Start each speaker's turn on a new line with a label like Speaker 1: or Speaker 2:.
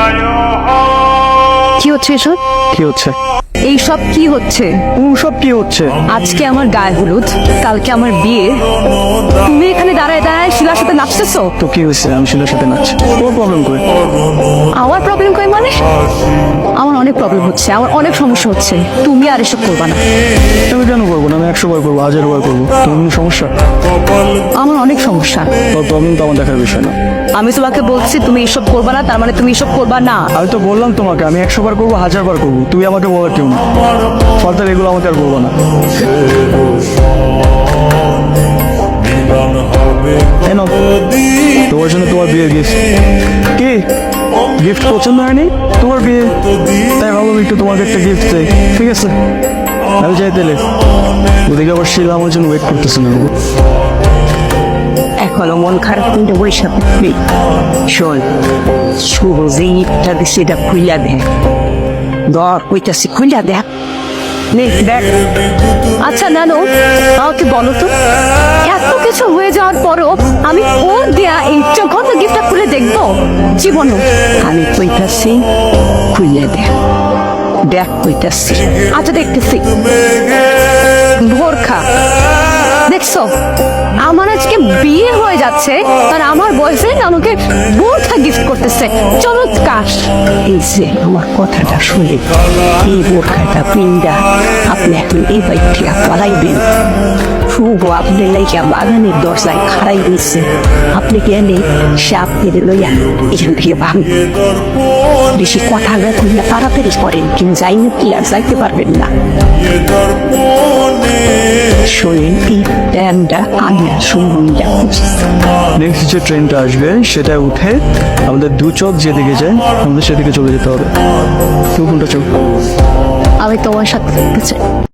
Speaker 1: কি হচ্ছে এসব?
Speaker 2: কি হচ্ছে?
Speaker 1: এইসব কি হচ্ছে?
Speaker 2: সব কি হচ্ছে?
Speaker 1: আজকে আমার গায়ে হলুদ, কালকে আমার বিয়ে, তুমি এখানে দাঁড়ায় দাঁড়ায় শিলার সাথে নাচতেছো।
Speaker 2: তো কি হয়েছে? আমি শিলার সাথে নাচছি, তোমার প্রবলেম করে?
Speaker 1: আমার প্রবলেম কই মানে? আমার অনেক প্রবলেম হচ্ছে, আমার অনেক সমস্যা হচ্ছে। তুমি আর এসব করবা না।
Speaker 2: আমি কেন করবো না? আমি 100 বার করবো, 1000 বার করবো। তোমার কোনো সমস্যা?
Speaker 1: আমার অনেক সমস্যা।
Speaker 2: তোর প্রবলেম তো আমার দেখার বিষয় না।
Speaker 1: আমি তোমাকে বলছি তুমি এসব করবা না, তার মানে তুমি এসব করবা না।
Speaker 2: আমি তো বললাম তোমাকে আমি 100 বার করবো, 1000 বার করবো। তুই আমাকে বলার কেউ না। ফার্দার এগুলো আমাকে আর বলবো না। এই নাও, তোমার জন্য তোমার বিয়ের গিফট। কি গিফট পছন্দ হয়নি? তোমার বিয়ে, তাই ভাবলাম একটু তোমাকে একটা গিফট দেই। ঠিক আছে, আমি যাই তাহলে। ওদিকে আবার শিলা আমার জন্য ওয়েট করতেছে না।
Speaker 3: এখনো মন খারাপ কিন্তু বৈশা থাকবি। শোন, শুভ যে ইটটা দিছে এটা খুইলা দেখ। দর কইতাছি খুইলা দেখ। নে দেখ।
Speaker 1: আচ্ছা নানু, আমাকে বলো তো, এত কিছু হয়ে যাওয়ার পরও আমি ওর দেয়া এই চকত গিফটটা খুলে দেখবো? জীবনও
Speaker 3: আমি কইতাছি খুইলা দেখ। দেখ কইতাছি।
Speaker 1: আচ্ছা দেখতেছি। ভোরখা, দেখছো আমার আজকে বিয়ে হয়ে যাচ্ছে আর আমার বয়ফ্রেন্ড আমাকে বোরখা গিফট করতেছে। চমৎকার।
Speaker 3: এই যে আমার কথাটা শুনে এই বোরখাটা পিন্ডা আপনি এখন এই বাইকটা পালাইবেন। শুভ আপনি লাইকা বাগানের দরজায় খাড়াই দিচ্ছে। আপনি গেলে সে আপনি লইয়া এখান থেকে ভাঙ। বেশি কথা না কইলে তাড়াতাড়ি করেন, কিন্তু যাইনি কি আর যাইতে পারবেন না। শোনেন এই ট্যানটা আমি আর শুনবো।
Speaker 2: নেক্সট যে ট্রেনটা আসবে সেটা উঠে আমাদের দু চোখ যেদিকে যায় আমাদের সেদিকে চলে যেতে হবে। তুই কোনটা চোখ?
Speaker 1: আমি তোমার সাথে থাকতে চাই।